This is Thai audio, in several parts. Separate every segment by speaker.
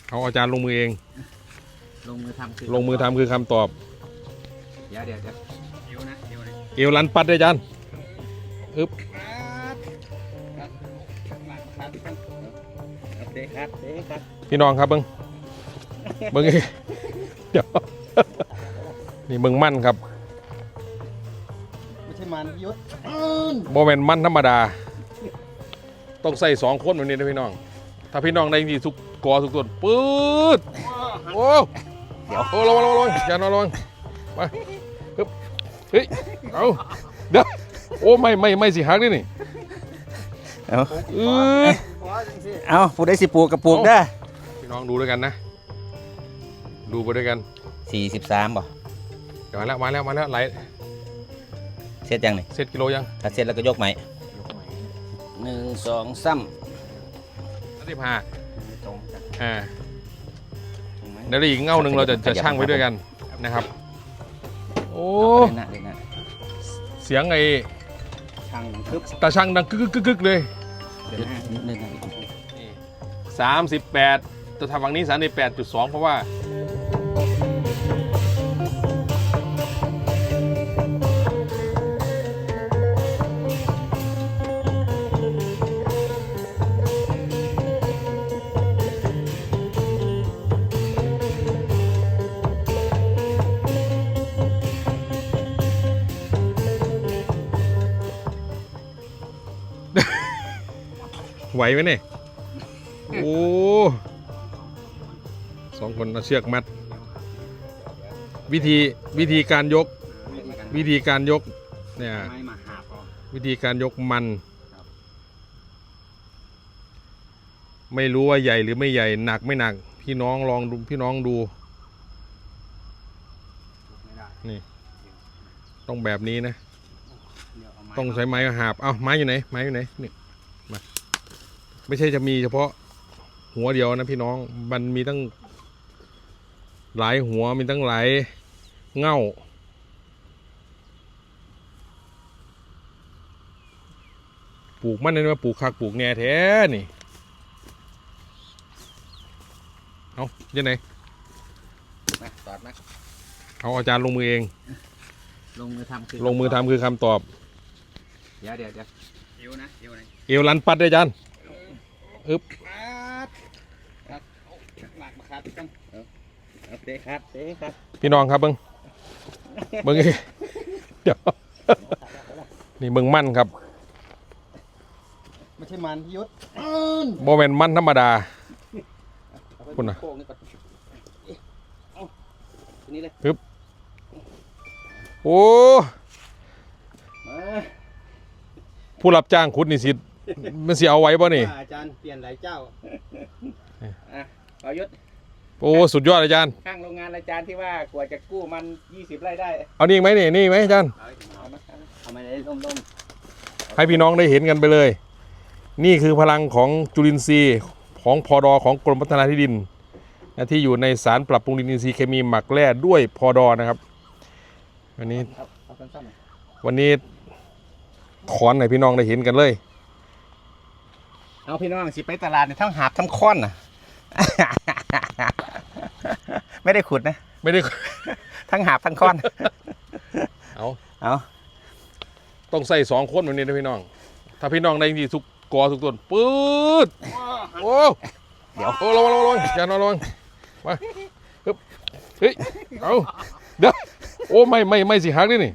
Speaker 1: เอาอาจารย์ลงมือเอง
Speaker 2: ลงมือทำ
Speaker 1: คือคำตอบ
Speaker 2: เดี๋ยวเอวนะ
Speaker 1: เอวลันปัดเลยอาจารย์อึ๊บพี่น้องครับเบิ้งเดี๋ยวนี่เบิ้งมั่นครับ
Speaker 2: ไม่ใช่มันยุทธ
Speaker 1: โมเมนต์มั่นธรรมดาต้องใส่2 คนแบบนี้นะพี่น้องถ้าพี่น้องได้ดีทุกกอทุกตัวปื๊ดโอ้เดี๋ยวโอ้ระวังอย่านอนระวังมาฮึบเฮ้ยเอาเดี๋ยวโอ้ไม่สิหักนี่
Speaker 2: เอาปลูกได้10 ปลูกกับปลูกได้
Speaker 1: พี่น้องดูด้วยกันนะดูไปด้วยกัน
Speaker 2: 43บ่
Speaker 1: เดี๋ยวมาแล้วไหล
Speaker 2: เสร็จยังนี่
Speaker 1: เสร็จกิโลยัง
Speaker 2: ถ้าเสร็จแล้วก็ยกใหม่1 2 3
Speaker 1: 35เดี๋ยวอีกเง่าหนึ่งเราจะชั่งไว้ด้วยกันนะครับโอ้เสียงไอ้ตาช่างดังกึกเลย38จะทำฝั่งนี้38.2เพราะว่าไหวไหมเนี่ยโอ้2 คนเอาเชือกมัดวิธีการยกเนี่ยวิธีการยกมันไม่รู้ว่าใหญ่หรือไม่ใหญ่หนักไม่หนักพี่น้องลองดูนี่ต้องแบบนี้นะต้องใช้ไม้หาบไม้อยู่ไหนนี่มาไม่ใช่จะมีเฉพาะหัวเดียวนะพี่น้องมันมีตั้งหลายหัวมีตั้งหลายเง่าปลูกมันนี่ว่าปลูกคักปลูกแหน่แท้นี่เอายังไงเอาอาจารย์ลงมือเอง
Speaker 2: ลงมือทำ
Speaker 1: คือคำตอบ
Speaker 2: เดี๋ยวเอวนะ
Speaker 1: เอวลันปัดเลยอาจารย์อึ๊บพี่น้องครับเบิ้งเดี๋ยวนี่เบิ้งมั่นครับ
Speaker 2: ไม่ใช่มันยุทธ
Speaker 1: โมเมนต์มั่นธรรมดาคุณนะปึ๊บโอ้ผู้รับจ้างขุดนี่สิมันสิเอาไว้ป่ะนี่
Speaker 2: อาจารย์เปลี่ยนหลายเจ้าเอายุทธ
Speaker 1: โอ้สุดยอดอาจารย์
Speaker 2: ข้างโรงงานอาจารย์ที่ว่ากว่าจะกู้มัน20 ไร่ได้
Speaker 1: เอานี่ไหมนี่ไหมอาจารย์
Speaker 2: เอามาเลยล่ม
Speaker 1: ให้พี่น้องได้เห็นกันไปเลยนี่คือพลังของจุลินทรีย์ของพดของกรมพัฒนาที่ดินที่อยู่ในสารปรับปรุงดินอินทรีย์เคมีหมักแร่ด้วยพดนะครับวันนี้ถอนให้พี่น้องได้เห็นกันเลย
Speaker 2: เอาพี่น้องสิไปตลาดเนี่ยทั้งหาบทั้งค้อนน่ะไม่ได้ขุดนะ
Speaker 1: ไม่ได้
Speaker 2: ทั้งหาบทั้งค้อน
Speaker 1: เอาต้องใส่2 คนแบบนี้นะพี่น้องถ้าพี่น้องได้ดีทุกกอทุกตัวปื๊ดโอ้เดี๋ยวโอ้ระวังอย่านอนระวังมาฮึบเฮ้ยเอาเดี๋ยวโอ้ไม่สิหักนี่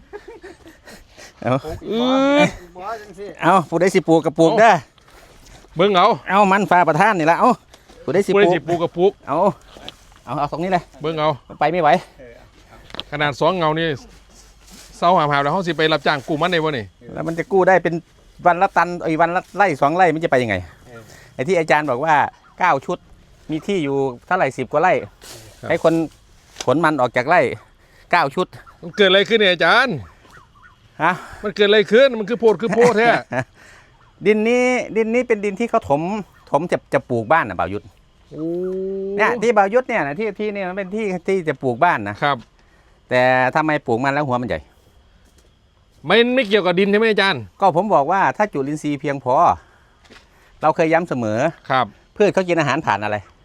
Speaker 2: เอาปลูกได้10 ปลูกกับปลูกได้
Speaker 1: เบิ้ง
Speaker 2: เอามันฟ้าประทานนี่ละเอาปลูกได้10 ปลูก
Speaker 1: กับปลูก
Speaker 2: เอาตรงนี้เลย
Speaker 1: เบิ้ง
Speaker 2: ไปไม่ไหว
Speaker 1: ขนาด2 เงานี่เศร้าหาแล้วเขาสิไปรับจ้างกู้มันได้บ่นี่
Speaker 2: แล้วมันจะกู้ได้เป็นวันละตันวันละไร่2 ไร่มันจะไปยังไงไอ้ที่อาจารย์บอกว่า9 ชุดมีที่อยู่เท่าไหร่10 กว่าไร่ให้คนขนมันออกจากไร่9 ชุด
Speaker 1: มันเกิดอะไรขึ้นเนี่ยอาจารย์มันเกิดอะไรขึ้นมันคือโพดแท้
Speaker 2: ดินนี้เป็นดินที่เขาถมจะปลูกบ้านนะบ่าวยุทธเนี่ยที่บ่าวยุทธเนี่ยนะที่นี่มันเป็นที่จะปลูกบ้านนะครับแต่ทำไมปลูกมันแล้วหัวมันใหญ่
Speaker 1: ไม่เกี่ยวกับดินใช่ไหมอาจารย์
Speaker 2: ก็ผมบอกว่าถ้าจุลินทรีย์เพียงพอเราเคยย้ำเสมอ
Speaker 1: ครับ
Speaker 2: พืชเขากินอาหารผ่านอะไร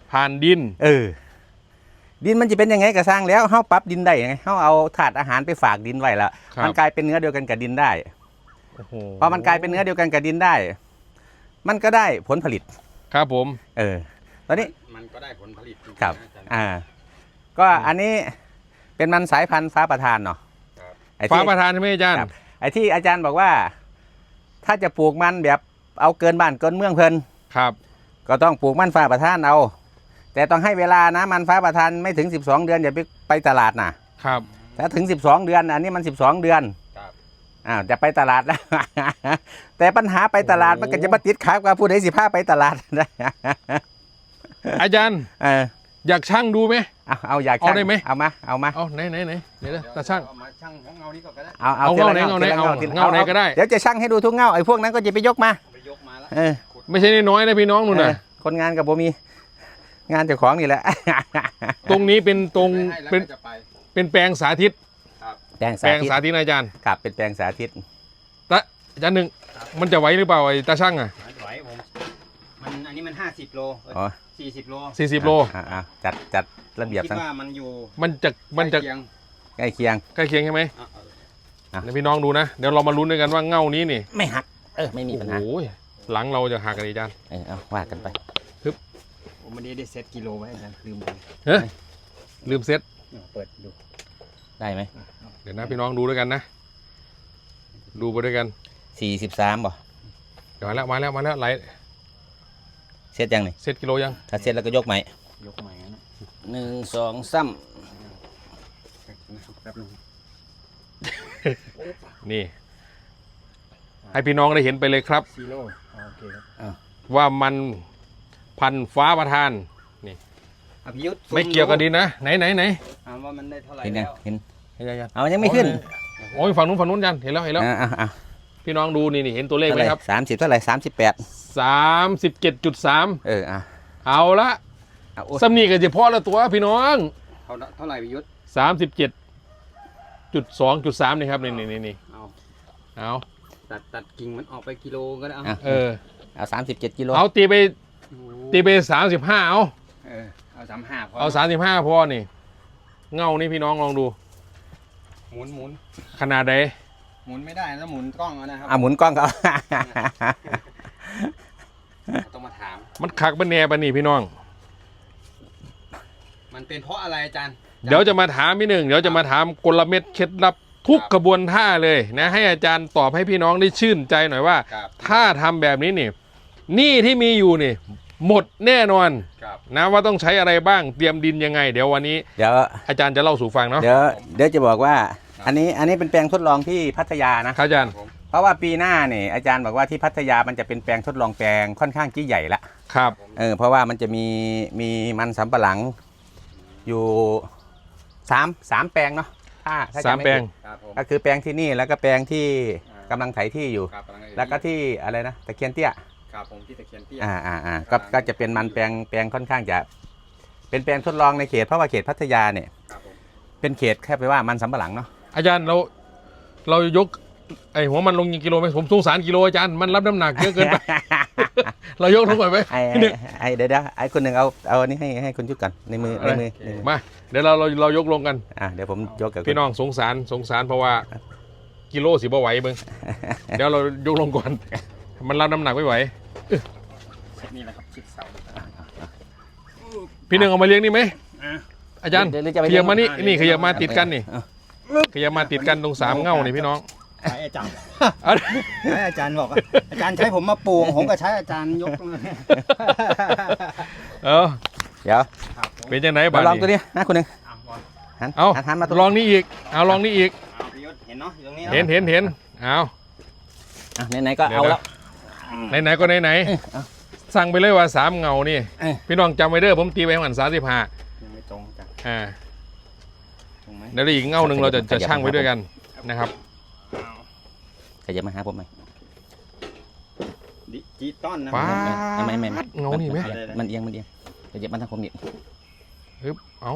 Speaker 1: ผ่านดิน
Speaker 2: ดินมันจะเป็นยังไงก็สร้างแล้วเขาปรับดินได้ยังไงเขาเอาถาดอาหารไปฝากดินไว้แล้ว
Speaker 1: ครับ
Speaker 2: มันกลายเป็นเนื้อเดียวกันกับดินได้
Speaker 1: โอ้โห
Speaker 2: พอมันกลายเป็นเนื้อเดียวกันกับดินได้ มันก็ได้ผลผลิต
Speaker 1: ครับผม
Speaker 2: ตอนนี้
Speaker 3: มันก็ได้ผลผลิตจริงๆ
Speaker 2: ครับ
Speaker 3: นะอาจารย์
Speaker 2: ก็อันนี้เป็นมันสายพันธุ์ฟ้าประทานเนาะ
Speaker 3: ครับ
Speaker 2: ไอ้
Speaker 1: ฟ้า
Speaker 2: ที่
Speaker 1: ประธานใช่ไหมอาจารย์
Speaker 2: ครับ ไอ้ที่อาจารย์บอกว่า ถ้าจะปลูกมันแบบเอาเกินบ้านเกินเมืองเพลิน
Speaker 1: ครับ
Speaker 2: ก็ต้องปลูกมันฟ้าประทานเอา แต่ต้องให้เวลานะมันฟ้าประทานไม่ถึง12 เดือนอย่าไปตลาดนะครับ ถ้าถึง12 เดือนอันนี้มัน12 เดือน
Speaker 3: ครับ
Speaker 2: จะไปตลาดแล้ว แต่ปัญหาไปตลาดมันก็จะมาติดขากับผู้ใดสิพาไปตลาด
Speaker 1: อาจารย์
Speaker 2: เออ
Speaker 1: อยากช่างดูไหม
Speaker 2: เอาอยาก
Speaker 1: เอาได้ไหม
Speaker 2: เอามา
Speaker 1: เอาไหนเดี๋ยวนะตาช่าง
Speaker 3: เอามาช่างของเงานี้ก่อนก็ได้
Speaker 2: เอา
Speaker 1: เอา
Speaker 2: ทีละ
Speaker 1: เงาไหน
Speaker 2: ทีละ
Speaker 1: เงาไหน
Speaker 2: ทีละ
Speaker 1: เงาไหนก็ได้
Speaker 2: เดี๋ยวจะช่างให้ดูทุกเงาไอ้พวกนั้นก็จะไปยกมา
Speaker 3: ไปยกมาแล้ว
Speaker 2: เออ
Speaker 1: ไม่ใช่น้อยๆนะพี่น้องนู่นน่ะ
Speaker 2: คนงานกับผมมีงานเจ้าของนี่แหละ
Speaker 1: ตรงนี้เป็นตรง
Speaker 3: ให้แล้ว
Speaker 1: เป็น
Speaker 3: ก็จะไป
Speaker 1: เป็นแปลงสาธิต
Speaker 2: แปลง
Speaker 1: แปลง
Speaker 2: สาธิต
Speaker 1: สาธิตนะอาจารย์
Speaker 2: ครับเป็นแปลงสาธิต
Speaker 1: อาจารย์หนึ่งมันจะไหวหรือเปล่าไอ้ตาช่างอ่ะ
Speaker 3: ไหวผมอันนี้มัน50 โล
Speaker 2: อ๋อ
Speaker 3: 40 โล
Speaker 1: 40 โล
Speaker 2: จัดระเบียบ
Speaker 3: คิด
Speaker 2: ทั้ง
Speaker 3: ว่ามันอยู่
Speaker 1: มันจะ
Speaker 3: ใกล้เคียง
Speaker 2: ใกล้เคียง
Speaker 1: ใกล้เคียงใช่ไหม
Speaker 3: อ่ะ
Speaker 1: เดี๋ยวพี่น้องดูนะ เดี๋ยวเรามาลุ้นด้วยกันว่าเงานี้นี่
Speaker 2: ไม่หักไม่มีปัญหา
Speaker 1: โอ้โหหลังเราจะหักกันอาจารย์
Speaker 2: เอาว่ากันไป
Speaker 3: ผมไม่ได้เซตกิโลไว้อาจารย์ลืมไป
Speaker 1: ลืมเซ็ต
Speaker 3: เปิดดู
Speaker 2: ได้ไหม
Speaker 1: เดี๋ยวนะพี่น้องดูด้วยกันนะ ดูไปด้วยกัน
Speaker 2: 43บ่
Speaker 1: เดี๋ยวมาแล้วไหล
Speaker 2: เสร็จยังนี่
Speaker 1: เซ็ตกิโลยัง
Speaker 2: ถ้าเสร็จแล้วก็ยกใหม่
Speaker 3: ยกใหม่นะ
Speaker 2: 1 2 3
Speaker 3: แป๊บนึง
Speaker 1: นี่ ให้พี่น้องได้เห็นไปเลยครับ
Speaker 3: ซีโร่โอเคครับ
Speaker 1: ว่ามันพันธุ์ฟ้าประทาน
Speaker 3: อภิยุทธ์
Speaker 1: ไม่เกี่ยวกับดินนะไหน
Speaker 3: ว่ามันได้เท่าไหร่
Speaker 2: เห็นยัง
Speaker 3: แล้ว
Speaker 2: เห็น
Speaker 1: อาจารย์
Speaker 2: เอายังไม่ขึ้น
Speaker 1: โอ้ยฝั่งนู้นอาจารย์เห็นแล้ว
Speaker 2: อ่ะ
Speaker 1: พี่น้องดูนี่เห็นตัวเลขไหมครับ
Speaker 2: 30เท่าไหร่38
Speaker 1: 37.3 เอาละ
Speaker 2: เอา
Speaker 1: สำนีกันเฉพาะละตัวพี่น้อง
Speaker 3: เท่าไหร่อภิยุทธ์
Speaker 1: 37.2.3นี่ครับนี่
Speaker 3: เอา
Speaker 1: เอา
Speaker 3: ตัดกิ่งมันออกไปกิโลก็ได้
Speaker 1: เออ
Speaker 2: เอา37กิโล
Speaker 1: เอาตีไป35
Speaker 3: เอา35พอ
Speaker 1: เอา35พอนี่ เงานี่พี่น้องลองดู
Speaker 3: หมุน
Speaker 1: ขนาดใด
Speaker 3: หมุนไม่ได้แล้วหมุนกล้องเอานะครั
Speaker 2: หมุนกล้องเขา
Speaker 3: ต้องมาถาม
Speaker 1: มันคักบันแหน่บันนี่พี่น้อง
Speaker 3: มันเป็นเพราะอะไรอาจารย์
Speaker 1: เดี๋ยวจะมาถามพี่หนึ่งเดี๋ยวจะมาถามกลเม็ดเคล็ดลับทุกกระบวนท่าเลยนะให้อาจารย์ตอบให้พี่น้องได้ชื่นใจหน่อยว่า
Speaker 3: ครับ
Speaker 1: ถ้าทำแบบนี้นี่หนี้ที่มีอยู่นี่ หมดแน่นอน
Speaker 3: ครับ
Speaker 1: นะว่าต้องใช้อะไรบ้างเตรียมดินยังไง เดี๋ยววันนี้
Speaker 2: เดี๋ยว
Speaker 1: อาจารย์จะเล่าสู่ฟังเนาะ
Speaker 2: เดี๋ยวจะบอกว่า อันนี้เป็นแปลงทดลองที่พัทยานะ
Speaker 1: ครับอาจารย์
Speaker 2: เพราะว่าปีหน้าเนี่ยอาจารย์บอกว่าที่พัทยามันจะเป็นแปลงทดลองแปลงค่อนข้างที่ใหญ่ละ
Speaker 1: ครับ
Speaker 2: เพราะว่ามันจะมีมันสำปะหลังอยู่3แปลงเนาะถ้า
Speaker 1: สาม
Speaker 2: จำไม่
Speaker 1: แปลง
Speaker 2: ผิด
Speaker 3: ครับผม
Speaker 2: ก็คือแปลงที่นี่แล้วก็แปลงที่กำลังไถที่อยู่
Speaker 3: ครับ
Speaker 2: แล้วก็ที่อะไรนะตะเคียนเตี้ย
Speaker 3: ครับผมที่ตะเคียนเตี้ย
Speaker 2: ก็จะเป็นมันแปลงค่อนข้างจะเป็นแปลงทดลองในเขตเพราะว่าเขตพัทยาเนี่ย
Speaker 3: ครับผม
Speaker 2: เป็นเขตแค่ไปว่ามันสำปะหลังเนาะ
Speaker 1: อาจารย์เรายกไอหัวมันลงกี่กิโลไหมผมสงสารกิโลอาจารย์มันรับน้ำหนักเยอะเกินไป เรายกลงไปไหม
Speaker 2: เดี๋ยวไอ้คนหนึ่งเอาอันนี้ให้คุณชุดก่อนในมือ
Speaker 1: มาเดี๋ยวเรายกลงกัน
Speaker 2: เดี๋ยวผมยกกับ
Speaker 1: พี่น้องสงสารเพราะว่ากิโลสิบ่ไหวเบิ่ง เดี๋ยวเรายกลงก่อน มันรับน้ำหนักไม่ไหว
Speaker 3: นี่แหละครับชิดเสา
Speaker 1: พี่หนึ่งเอามาเลี้ยงนี่ไหม
Speaker 3: อ่ะ
Speaker 1: อาจารย์ขยับมานี่ขยับมาติดกันนี่ขยับมาติดกันตรง3เง่านี่พี่น้อง
Speaker 3: ใช้อาจารย์ใช้อาจารย์บอกอาจารย์ใช้ผมมาปลูกผมก็ใช้อาจารย์ยกเลย
Speaker 1: เออ
Speaker 2: เดี๋ยว
Speaker 3: ครับผม
Speaker 1: เป็นยังไงบ้าง
Speaker 2: ลองตัวนี้นะคุณหนึ่ง
Speaker 1: เอา
Speaker 2: หันมาตัว
Speaker 1: ลองนี่อีกเอาลองนี่อีก
Speaker 3: พี่ยศเห็นเนาะอยู่ตรงนี้
Speaker 1: เห็นเอา
Speaker 2: ไหนๆก็เอาแล้ว
Speaker 1: ไหนก็ไหนสั่งไปเลยว่า3เงานี่พี่น้องจำไว้เด้อผมตีไปหัน35
Speaker 3: ยังไม่ตรงจ้ะตรงไหม
Speaker 1: เดี๋ยวอีกเงาหนึ่งเราจะชั่งไว้ด้วยกันนะครับ
Speaker 2: ขยับมาหาผมไหม
Speaker 3: ดิจิตอลนะ
Speaker 1: ว้า
Speaker 2: ไม่
Speaker 1: เงานี่ไหม
Speaker 2: มันเอียงขยับมาทางผมนี่
Speaker 1: ฮึบเอา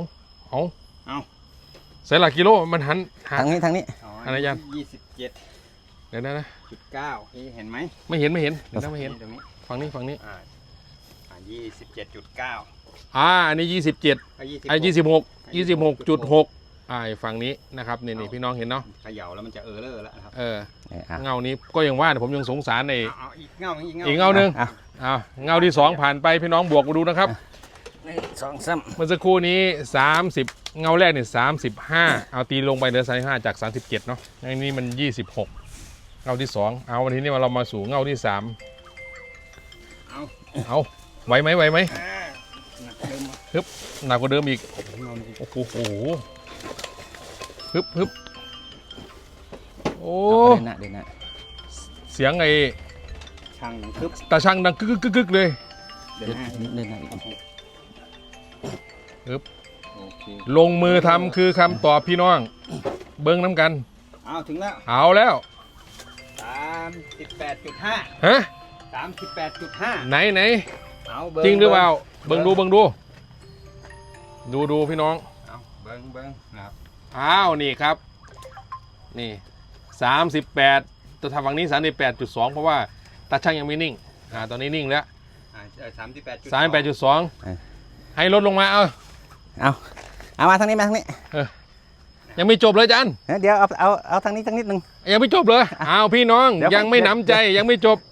Speaker 1: ใส่หลักกิโลมันหัน
Speaker 2: ทางนี้
Speaker 1: อะไรอาจารย์
Speaker 3: 27.9
Speaker 1: เดี๋ยวนะ
Speaker 3: เห็นไหม
Speaker 1: ไม่เห็นเดี๋ยวนะไม่เห็น
Speaker 3: ตรงนี้
Speaker 1: ฝั่งนี้
Speaker 3: 27.9
Speaker 1: อันนี้ 27ไอ้26 ฝั่งนี้นะครับนี่พี่น้องเห็นเนาะ
Speaker 3: เขย่าแล้วมันจะเลอแล้วนะครับ
Speaker 1: เงานี้ก็ยังว่าผมยังสงสารใน
Speaker 3: เอาอีกเงาอีก
Speaker 1: อีกเงาหนึ่งเงาที่ 2 ผ่านไปพี่น้องบวกมาดูนะครับ
Speaker 2: 1 2 3
Speaker 1: เมื่อสักครู่นี้30เงาแรกเนี่ย35เอาตีลงไปเหลือ35จาก37เนาะอันนี้มัน26เงาที่ 2เอาวันนี้เรามาสู่เงาที่ 3เอาไหวไหมฮึบหนักกว่าเดิมอีกโอ้โหฮึบโอ้
Speaker 2: เดินหน้า
Speaker 1: เสียงไอ้
Speaker 3: ช่างดังคึบ
Speaker 1: ตาช่างดังกึกเลย
Speaker 3: เดินหน้า
Speaker 2: เดินหน้าอีก
Speaker 1: ฮึบ
Speaker 3: โอเค
Speaker 1: ลงมือทำคือคำตอบพี่น้องเบิ้งน้ำกัน
Speaker 3: เอาถึงแล้ว
Speaker 1: เอาแล้ว
Speaker 3: 38.5
Speaker 1: ฮะ
Speaker 3: 38.5
Speaker 1: ไหน
Speaker 3: เอา
Speaker 1: จริงหรือเปล่าเบิ้งดูดูพี่น้อง
Speaker 3: เอาเบิ้งนะครับ
Speaker 1: อ้าวนี่ครับนี่38ตัวทำฝั่งนี้38.2เพราะว่าตาช่างยังไม่นิ่งตอนนี้นิ่งแล้ว 38.2ให้ลดลงมา
Speaker 2: เอามาทางนี้
Speaker 1: ยังไม่จบเลยจัน
Speaker 2: เดี๋ยวเอาทางนี้นิดนึง
Speaker 1: ยังไม่จบเลยอ้าวพี่น้อง
Speaker 2: เดี๋ยว
Speaker 1: ยังไม่หนำใจยังไม่จบ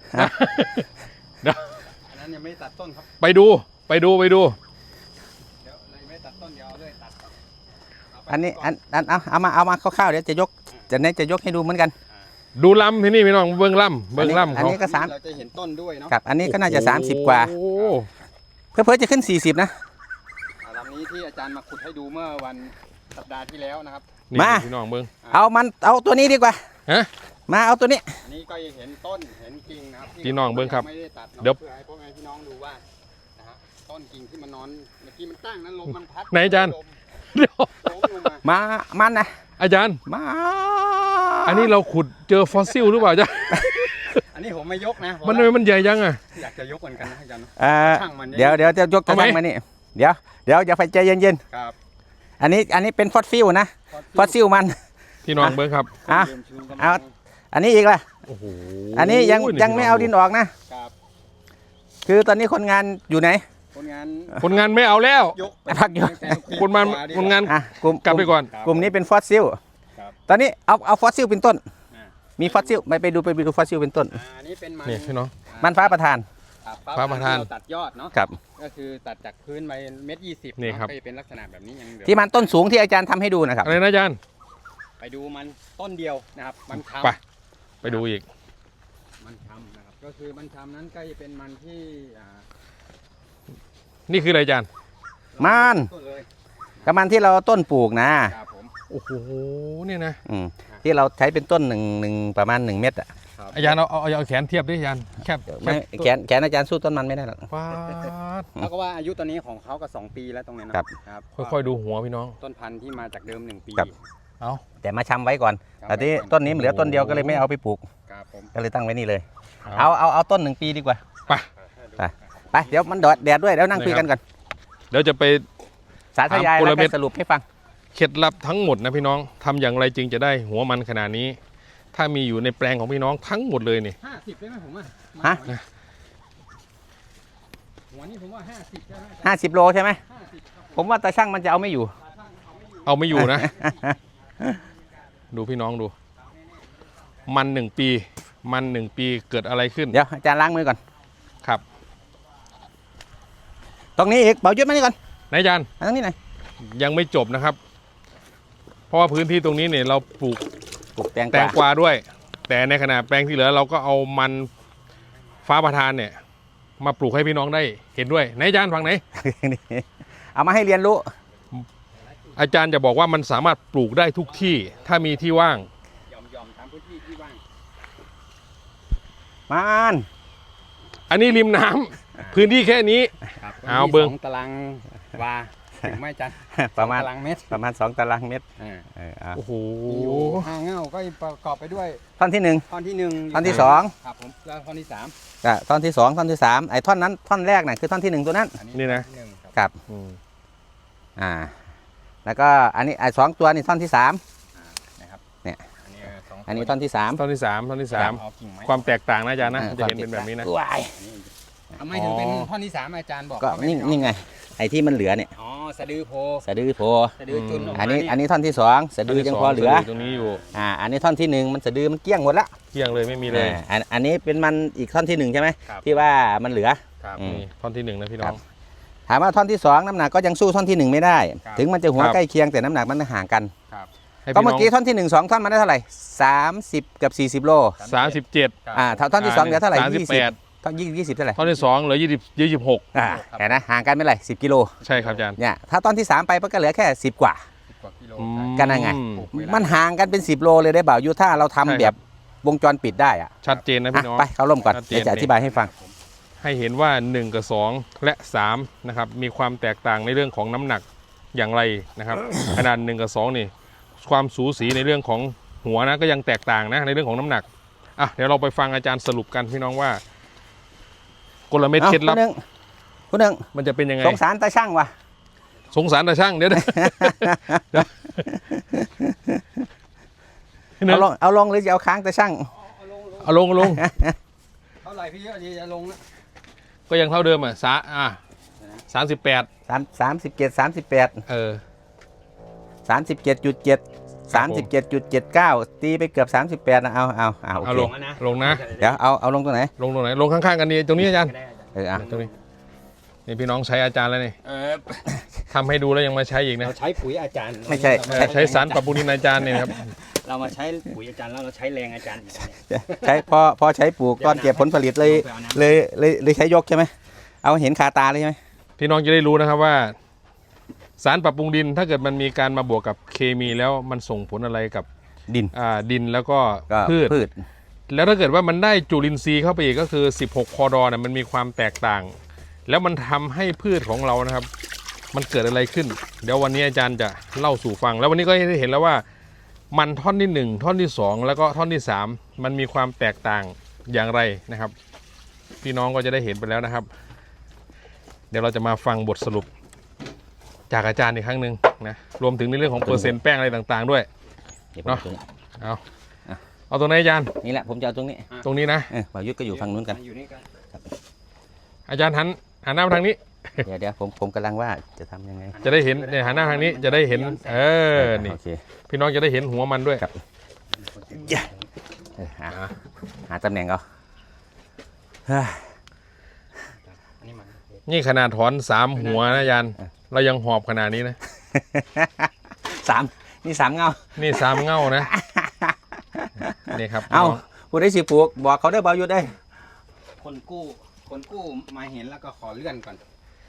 Speaker 3: อันนั้นยังไม่ตัดต้นครับ
Speaker 1: ไปดู
Speaker 3: เดี๋ยวไม่ตัดต้นเดี๋ยวเอาเลยตัด
Speaker 2: อันนี้เอามาคร่าวๆเดี๋ยวจะยกให้ดูเหมือนกัน
Speaker 1: ดูลำที่นี่พี่น้องเบิ้งลำ
Speaker 2: อัน
Speaker 1: เขา
Speaker 2: นี้ก็3
Speaker 3: เราจะเห็นต้นด้วยเนาะ
Speaker 2: กับอันนี้ก็น่าจะ30กว่า
Speaker 1: โอ้
Speaker 2: เพื่อจะขึ้น40นะ
Speaker 3: ลำนี้ที่อาจารย์มาขุดให้ดูเมื่อวันสัปดาห์ที่แล้วนะครับ
Speaker 1: นี่
Speaker 2: มา
Speaker 1: พี่น้องเบิ้ง
Speaker 2: เอาตัวนี้ดีกว่า
Speaker 1: ฮะ
Speaker 2: มาเอาตัวนี้
Speaker 3: อันนี้ก็ยังเห็นต้นเห็นกิ่งนะครับที่
Speaker 1: พี่น้องเบิ่งครับ
Speaker 3: ไม่ได้ตัดเนาะ
Speaker 1: เดี๋ยว
Speaker 3: เพื่อให้พ่อแม่พี่น้องดูว่านะฮะต้นกิ่งที่มันนอนเมื่อกี้มันตั้งนั้นลมมันพัด
Speaker 1: ไหนอาจารย์
Speaker 3: ลม
Speaker 1: เดี๋ยว
Speaker 3: ล้มลงมา
Speaker 2: มันนะ
Speaker 1: อาจารย์
Speaker 2: มา
Speaker 1: อันนี้เราขุดเจอฟอสซิลหรือเปล่าจ๊ะ
Speaker 3: อันนี้ผมไม่ยกนะ
Speaker 1: มันทำไมมันใหญ่ยังอ่ะ
Speaker 3: อยากจะยกเหมือนกันนะอาจารย์ ช่างมัน
Speaker 2: เดี๋ยวจะยก
Speaker 1: เอาไหม
Speaker 2: ช่างมานี่เดี๋ยวอย่าไปใจเย็น
Speaker 3: ครับ
Speaker 2: ๆอันนี้เป็นฟอสซิลนะฟอสซิลมัน
Speaker 1: พี่น้องเบิ้งครับ
Speaker 2: อ่ะ
Speaker 3: เดิมชื้นกัน
Speaker 2: เอา อันนี้อีกล่ะ
Speaker 1: โอ้โห
Speaker 2: อันนี้ยังไม่เอาดินออกนะ
Speaker 3: ครับ
Speaker 2: คือตอนนี้คนงานอยู่ไหน
Speaker 3: คนงาน
Speaker 1: คนงานไม่เอาแล้ว
Speaker 3: ยก
Speaker 2: พักอยู่
Speaker 1: คนงาน
Speaker 2: กลุ่ม
Speaker 1: กลับไปก่อน
Speaker 2: กลุ่มนี้เป็นฟอสซิล
Speaker 3: ครับ
Speaker 2: ตอนนี้เอาฟอสซิลเป็นต้น
Speaker 3: อ่า
Speaker 2: มีฟอสซิลไปดูฟอสซิลเป็นต้น
Speaker 3: อันนี้เป็นมัน
Speaker 1: นี่พี่น้อง
Speaker 2: มันฟ้าประทาน
Speaker 3: ครับ
Speaker 1: ฟ้าประทาน
Speaker 3: เตัดยอดเนาะ
Speaker 2: ครับ
Speaker 3: ก็คือตัดจากพื้นไป1.20
Speaker 1: นี่ครับ
Speaker 3: ก็จะเป็นลักษณะแบบนี้ยังเหลือ
Speaker 2: ที่มันต้นสูงที่อาจารย์ทำให้ดูนะครับ
Speaker 1: อะไรนะอาจารย์
Speaker 3: ไปดูมันต้นเดียวนะครับ มันทำ
Speaker 1: ไปดูอีก
Speaker 3: มันทำนะครับ ก็คือมันทำนั้นก็จะเป็นมันที่
Speaker 1: นี่คืออะไรอาจารย์
Speaker 2: มัน
Speaker 3: ต้นเลย
Speaker 2: กับมันที่เราต้นปลูกนะ
Speaker 3: ครับผม
Speaker 1: โอ้โหเนี่ยนะ
Speaker 2: ที่เราใช้เป็นต้นหนึ่งประมาณ1 เม็ดอ่ะ
Speaker 3: ครับ
Speaker 1: อาจารย์เอาแขนเทียบดิอาจารย์แคบ
Speaker 2: ไม่แขนอาจารย์สู้ต้นมันไม่ได้หรอก
Speaker 1: ฟาด
Speaker 3: แล้วก็ว่าอายุตอนนี้ของเขาก็2 ปีแล้วตรงนี้นะครับ ครับ
Speaker 1: ค่อยๆดูหัวพี่น้อง
Speaker 3: ต้นพันธุ์ที่มาจากเดิม1 ปี
Speaker 2: ครับ
Speaker 1: เอา
Speaker 2: แต่มาชำไว้ก่อน
Speaker 3: ครับ
Speaker 2: แต่ที่ต้นนี้มันเหลือต้นเดียวก็เลยไม่เอาไปปลูก
Speaker 3: ครับผม
Speaker 2: ก็เลยตั้งไว้นี่เลย เอาต้น1 ปีดีกว่า
Speaker 1: ไป
Speaker 2: ไปเดี๋ยวมันแดดด้วยเดี๋ยวนั่งคุยกันก่อน
Speaker 1: เดี๋ยวจะไป
Speaker 2: สาธยาย
Speaker 1: ถามกล
Speaker 2: แล้ว
Speaker 1: เม็
Speaker 2: ก็
Speaker 1: ด
Speaker 2: สรุปให้ฟัง
Speaker 1: เคล็ดลับทั้งหมดนะพี่น้องทำอย่างไรจึงจะได้หัวมันขนาดนี้ ถ้ามีอยู่ในแปลงของพี่น้องทั้งหมดเลยนี่
Speaker 3: 50ได้ไหมผมอ่ะ
Speaker 2: ฮะ
Speaker 3: หัวนี่ผมว่า50ได้ไหม
Speaker 2: 50 โลใช่ไหม
Speaker 3: 50ครับ
Speaker 2: ผมว่าตาช่างมันจะเอาไม่อยู่
Speaker 1: เอาไม่อยู่นะ ดูพี่น้องดู มัน1 ปีเกิดอะไรขึ้น
Speaker 2: เดี๋ยวอาจารย์ล้างมือก่อน
Speaker 1: ครับ
Speaker 2: ตรงนี้อีกเบายุดมานี่ก่อน
Speaker 1: นายอาจารย์
Speaker 2: มาตรงนี้หน่อย
Speaker 1: ยังไม่จบนะครับ เพราะว่าพื้นที่ตรงนี้เนี่ยเราปลูก
Speaker 2: ปลูกแตง
Speaker 1: แตงกวาด้วย แต่ในขณะแปลงที่เหลือเราก็เอามันฟ้าประทานเนี่ย มาปลูกให้พี่น้องได้เห็นด้วยนายอาจารย์ฝั่งไหน
Speaker 2: เอามาให้เรียนรู้
Speaker 1: อาจารย์จะบอกว่ามันสามารถปลูกได้ทุกที่ถ้ามีที่ว่าง
Speaker 3: ยอมตามพื้นที่ที่ว่าง
Speaker 2: มัน
Speaker 1: อันนี้ริมน้ำพื้นที่แค่นี้
Speaker 3: ครับ
Speaker 1: เอาเบิ่ง
Speaker 3: 2 ตารางวาถึงไหม่จัน
Speaker 2: ประมาณ
Speaker 3: ตารางเมตร
Speaker 2: 2 ตารางเมตร
Speaker 3: อ่า
Speaker 2: เอา
Speaker 1: โอ้โห
Speaker 3: มีอยู่5 เง่าก็ประกอบไปด้วย
Speaker 2: ท่อนที่
Speaker 3: ท่อนที่1
Speaker 2: ท่อนที่
Speaker 3: ครับผมแล้วท่อนที่ 3
Speaker 2: 1กับท่อนที่ 2 ท่อนที่ 3ไอ้ท่อนนั้นท่อนแรกน่ะคือท่อนที่ 1 ตัวนั้น
Speaker 3: อั
Speaker 1: นี่นะ
Speaker 3: ท่อที่หงครับ
Speaker 2: ครับ
Speaker 1: อืม
Speaker 2: แล้วก็อันนี้ไอ้2 ตัวนี่ท่อนที่
Speaker 3: นะครับ
Speaker 2: เนี่ย
Speaker 3: อันนี้สอง
Speaker 2: 3 อันนี้ท่อนที่ 3
Speaker 1: ท่อนที่สามท่อนที่สาม
Speaker 3: เอากิ่งไม้
Speaker 1: ความแตกต่างนะอาจารย์นะจะเห็นเป็นแบบนี้นะ
Speaker 2: ว้าย
Speaker 3: ทำไมถึงเป็นท่อนที่ 3อาจารย์บอก
Speaker 2: ก็
Speaker 3: เขาไม่
Speaker 2: นี่
Speaker 3: เอา
Speaker 2: นี่ไงไอ้ที่มันเหลือเนี่ย
Speaker 3: อ๋อสะดือโพ
Speaker 2: สะดือโผล่
Speaker 3: สะดือจุนออกมา
Speaker 2: อันนี้ท่อนที่สองสะดือยังพอเหลือ
Speaker 1: ตรงนี้อยู่
Speaker 2: อันนี้ท่อนที่หนึ่งมันสะดือมันเกลี้ยงหมดละ
Speaker 1: เที่ยงเลยไม่มีเลย
Speaker 2: อันนี้เป็นมันอีกท่อนที่หนึ่งใช่ไหม
Speaker 3: ครับ
Speaker 2: ที่ว่ามันเหลือ
Speaker 3: ครับ
Speaker 2: อืม
Speaker 1: นี่ท่อนที่หนึ่งนะพี่น้อง
Speaker 2: ถามว่าท่อนที่สองน้ำหนักก็ยังสู้ท่อนที่หนึ่งไม่ได้
Speaker 3: ครับ
Speaker 2: ถึงมันจะหัว
Speaker 1: ครับ
Speaker 2: ใกล้เคียงแต่น้ำหนักมันห่างกัน
Speaker 3: ครับ
Speaker 1: ให้
Speaker 2: ก็
Speaker 1: พี่
Speaker 2: เมื่
Speaker 1: น้
Speaker 2: อ
Speaker 1: อง
Speaker 2: กี้ท่อนที่หนึ่งสองท่อนมาได้เท่าไหร่30กับ40โล
Speaker 1: 37
Speaker 2: ท่อนที่สองเหลือเท่าไหร่
Speaker 1: 38
Speaker 2: ท่อน20เท่าไหร่
Speaker 1: ท่อนที่สองเหลือ26
Speaker 2: เห็นนะห่างกันไม่ไร10กิโล
Speaker 1: ใช่ครับอาจารย์
Speaker 2: เนี่ยถ้าตอนที่3ไปก็เหลือแค่10กว่า
Speaker 3: 10 กว่ากิโล
Speaker 1: อืม
Speaker 2: กันยังไง
Speaker 3: เวลา
Speaker 2: มันห่างกันเป็น10โลเลยได้บ่าวยูถ้าเราทำ
Speaker 1: ใช่ครับ
Speaker 2: แบบวงจรปิดได้อะ
Speaker 1: ชัดเจนนะพี่น้อง
Speaker 2: ไปเข้าร่มก่อน
Speaker 1: ชัดเจน
Speaker 2: เดี๋ยวจะอธิบายให้ฟัง
Speaker 1: ให้เห็นว่า 1 กับ 2 และ 3 นะครับ มีความแตกต่างในเรื่องของน้ำหนักอย่างไรนะครับ ขนาด 1 กับ 2 นี่ ความสูสีในเรื่องของหัวนะก็ยังแตกต่างนะในเรื่องของน้ำหนักอ่ะเดี๋ยวเราไปฟังอาจารย์สรุปกันพี่น้องว่ากลเม็ดเคล็ดลับ
Speaker 2: คุณหนึ่ง
Speaker 1: มันจะเป็นยังไง
Speaker 2: สงสารตาช่างว่ะ
Speaker 1: สงสารแต่ช่างเดี๋ยวนะพี่หนึ่ง
Speaker 2: เอาลงหรือจะเอาค้างตาช่าง
Speaker 1: เอาลง
Speaker 3: เท่าไหร่พี่อันนี้จะลงนะ
Speaker 1: ก็ยังเท่าเดิมอ่ะ38
Speaker 2: 37 38 37.7 37.79 ตีไปเกือบ38นะเอาโอ
Speaker 1: เอา
Speaker 2: เค
Speaker 1: ลงนะ
Speaker 2: เดี๋ยวเอาลงตรงไหน
Speaker 1: ลงตรงไหนลงข้างๆกันนี่ตรงนี้อาจารย์
Speaker 3: ได้อาจารย์
Speaker 1: ตรงนี้นี่พี่น้องใช้อาจารย์แล้วนี่ ทำให้ดูแล้วยังมาใช้อีกนะ
Speaker 3: เราใช้ปุ๋ยอาจารย์
Speaker 2: ไม่ใช่
Speaker 1: ใช้สารปรับปรุงดินอาจารย์เนี่ยนะครับ
Speaker 3: เรามาใช้ปุ๋ยอาจารย์แล้วเราใช้แรงอาจารย์อีกเนี่ย
Speaker 2: ใช้พอใช้ปลูกก้อนเก็บผลผลิตเลยใช้ยกใช่ไหมเอาเห็นคาตาเลยใช่ไหม
Speaker 1: พี่น้องจะได้รู้นะครับว่า สารปรับปรุงดินถ้าเกิดมันมีการมาบวกกับเคมีแล้วมันส่งผลอะไรกับ
Speaker 2: ดิน
Speaker 1: ดินแล้วก็
Speaker 2: ก็
Speaker 1: พืช
Speaker 2: พืช
Speaker 1: แล้วถ้าเกิดว่ามันได้จุลินทรีย์เข้าไปอีกก็คือ 16 พอดอเนี่ยมันมีความแตกต่าง แล้วมันทำให้พืชของเรานะครับ มันเกิดอะไรขึ้น เดี๋ยววันนี้อาจารย์จะเล่าสู่ฟัง แล้ววันนี้ก็ได้เห็นแล้วว่า มันท่อนที่ 1 ท่อนที่ 2 แล้วก็ท่อนที่ 3 มันมีความแตกต่างอย่างไรนะครับ พี่น้องก็จะได้เห็นไปแล้วนะครับ เดี๋ยวเราจะมาฟังบทสรุป จากอาจารย์อีกครั้งหนึ่งนะรวมถึงในเรื่องของเปอร์เซ็นต์แป้งอะไรต่างๆด้วย
Speaker 2: เดี๋ยวผม
Speaker 1: เนาะ
Speaker 2: เอาตรงนี้
Speaker 1: เอาตรงไหนอาจารย์
Speaker 2: นี่แหละผมจะเอาตรงนี้
Speaker 1: ตรงนี้นะ
Speaker 2: บ่าวยุทธก็อยู่ฝั่งนู้นกัน
Speaker 3: อยู่นี่กัน
Speaker 1: อาจารย์หันหน้ามาทางนี้
Speaker 2: เดี๋ยวผมกำลังว่าจะทำยังไง
Speaker 1: จะได้เห็นเนี่ยหันหน้าทางนี้จะได้เห็นนี่
Speaker 2: โอเค
Speaker 1: พี่น้องจะได้เห็นหัวมันด้วย
Speaker 2: ครับ หาตำแหน่งเอาเฮ้ย
Speaker 3: อันนี้มัน
Speaker 1: นี่ขนาดถอน3 หัวนะอาจารย์เรายังหอบขนาดนี้นะ
Speaker 2: นี่3เงา
Speaker 1: นี่3 เง่านะนี่ครับ
Speaker 2: เอาผู้ได้สิปลูกบอกเขาได้บ่าวยุทธได้
Speaker 3: คนกู้มาเห็นแล้วก็ขอเลื่อนก่อน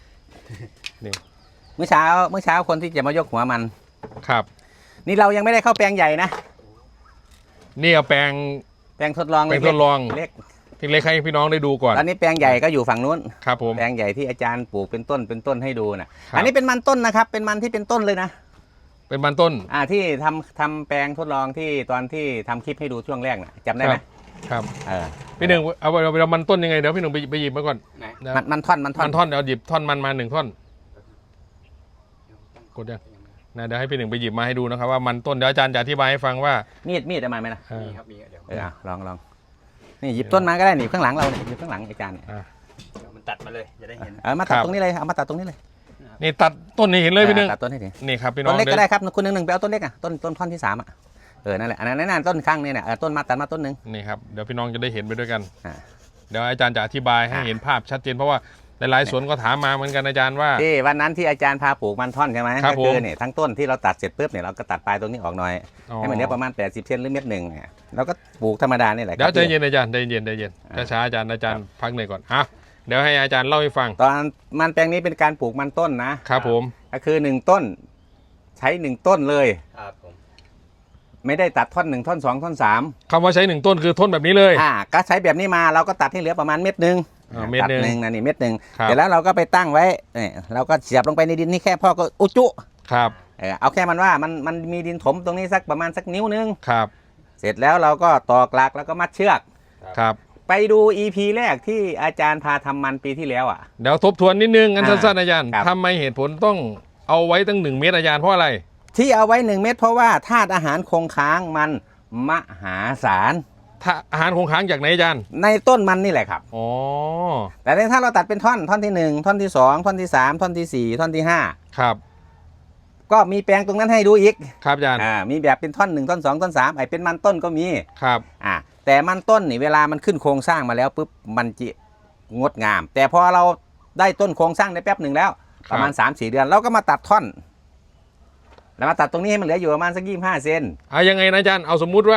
Speaker 2: เมื่อเช้าคนที่จะมายกหัวมัน
Speaker 1: ครับ
Speaker 2: นี่เรายังไม่ได้เข้าแปลงใหญ่นะ
Speaker 1: นี่เอาแปลง
Speaker 2: แปลงทดลอง
Speaker 1: แปลงทดลอง
Speaker 2: เล็ก
Speaker 1: ที่เล็กให้พี่น้องได้ดูก่อน
Speaker 2: ตอนนี้แปลงใหญ่ก็อยู่ฝั่งนู้น
Speaker 1: ครับผม
Speaker 2: แปลงใหญ่ที่อาจารย์ปลูกเป็นต้นให้ดูนะครับ อันนี้เป็นมันต้นนะครับ เป็นมันที่เป็นต้นเลยนะ
Speaker 1: เป็นมันต้น
Speaker 2: ที่ทำแปลงทดลองที่ตอนที่ทำคลิปให้ดูช่วงแรกนะจำได้ไหม
Speaker 1: ครับ
Speaker 2: เออ
Speaker 1: พี่หนึ่งเอามันต้นยังไงเดี๋ยวพี่หนึ่งไปหยิบมาก่อน
Speaker 3: ไหน
Speaker 1: นะ
Speaker 2: มันท่อน
Speaker 1: มันท่อนเดี๋ยวหยิบท่อนมันมา1 ท่อนกดยังนะเดี๋ยวให้พี่หนึ่งไปหยิบมาให้ดูนะครับว่ามันต้นเดี๋ยวอาจารย์จะอธิบายให้ฟังว่า
Speaker 2: มีดเอามาไหมล่ะ
Speaker 3: มีครับมีเดี๋ยว
Speaker 2: ลองนี่หยิบต้นมาก็ได้นี่ข้างหลังเราเนี่ยหยิบข้างหลังอาจารย์เนี่ย
Speaker 3: มันตัดมาเลยจะได้เห็น
Speaker 2: มาตัดตรงนี้เลยเอามาตัดตรงนี้เลย
Speaker 1: นี่ตัดต้นนี้เห็นเลยพี่หนึ่ง
Speaker 2: ตัดต้นให้ดิ
Speaker 1: นี่ครับพี่น้
Speaker 2: ต้
Speaker 1: อง
Speaker 2: นเล็กก็ได้ครับคุณหนึ่งไปเอาต้นเล็กอ่ะต้นท่อนที่3อ่ะนั่นแหละอันนั้นต้นข้างเนี่ยนะต้นมาตัดมาต้นหนึ่ง
Speaker 1: นี่ครับเดี๋ยวพี่น้องจะได้เห็นไปด้วยกัน
Speaker 2: อ่า
Speaker 1: เดี๋ยวอาจารย์จะอธิบายให้เห็นภาพชัดเจนเพราะว่าหลายๆสวนก็ถามมาเหมือนกันอาจารย์ว่า
Speaker 2: ที่วันนั้นที่อาจารย์พาปลูกมันท่อนใช่ไหม
Speaker 1: ครับ
Speaker 2: ก็คือ
Speaker 1: ผม
Speaker 2: เนี่ยทั้งต้นที่เราตัดเสร็จปุ๊บเนี่ยเราก็ตัดปลายตรงนี้ออกหน่อย
Speaker 1: อ๋อ
Speaker 2: ให้มันเหลือประมาณ80 เซนหรือเม็ดหนึ่งเนี่ยเราก็ปลูกธรรมดานี่แหละ
Speaker 1: เดี๋ยว
Speaker 2: ครับ
Speaker 1: ใจเย็นอาจารย์ใจเย็นช้าๆอาจารย์พักหน่อยก่อนอ่ะเดี๋ยวให้อาจารย์เล่าให้ฟัง
Speaker 2: ตอนมันแปลงนี้เป็นการปลูกมันต้นนะครับ
Speaker 1: ผม
Speaker 2: ก็คือ1ต้น ใช้1ต้นเลย
Speaker 3: ครับผม
Speaker 2: ไม่ได้ตัดท่อน1ท่อน2ท่อน3
Speaker 1: คำว่าใช้1 ต้นคือต้นแบบนี้เลย
Speaker 2: ก็ใช้แบบนี้มาเราก็ตัดให้เหลือประมาณเม็ดหนึ่ง
Speaker 1: เม็ด
Speaker 2: ตัด
Speaker 1: หนึ่ง
Speaker 2: นะนี่เม็ดหนึ่ง
Speaker 1: ครับ
Speaker 2: เสร็จแล้วเราก็ไปตั้งไว้เนี่ยเราก็เสียบลงไปในดินนี่แค่พ่อก็อุจจุ
Speaker 1: ครับ
Speaker 2: เอาแค่มันว่ามันมีดินถมตรงนี้สักประมาณสักนิ้วนึง
Speaker 1: ครับ
Speaker 2: เสร็จแล้วเราก็ตอกหลักแล้วก็มัดเชือก
Speaker 1: ครับ
Speaker 2: ไปดู EP แรกที่อาจารย์พาทำมันปีที่แล้วอ่ะ
Speaker 1: เดี๋ยวทบทวนนิดนึงอันสั้นๆอาจารย์
Speaker 2: ครับ
Speaker 1: ทำไมเหตุผลต้องเอาไว้ตั้ง1 เมตรอาจารย์เพราะอะไร
Speaker 2: ที่เอาไว้1 เม็ดเพราะว่าธาตุอาหารคงค้างมันมหาศาล
Speaker 1: อาหารคงค้างจากไหนอาจารย์
Speaker 2: ในต้นมันนี่แหละครับ
Speaker 1: อ๋อ
Speaker 2: แต่ถ้าเราตัดเป็นท่อนที่1ท่อนที่2ท่อนที่3ท่อนที่4ท่อนที่5
Speaker 1: ครับ
Speaker 2: ก็มีแปลงตรงนั้นให้ดูอีก
Speaker 1: ครับอาจารย์
Speaker 2: มีแบบเป็นท่อน1ท่อน2ท่อน3ไอ้เป็นมันต้นก็มี
Speaker 1: ครับ
Speaker 2: แต่มันต้นนี่เวลามันขึ้นโครงสร้างมาแล้วปุ๊บมันจะงดงาม แต่พอเราได้ต้นโครงสร้างได้แป๊บหนึ่งแล้วประมาณ 3-4 เดือนเราก็มาตัดท่อนแล้วมาตัดตรงนี้ให้มันเหลืออยู่ประมาณสัก25 เซน
Speaker 1: ยังไงนะอาจารย์เอาสมมุติว่า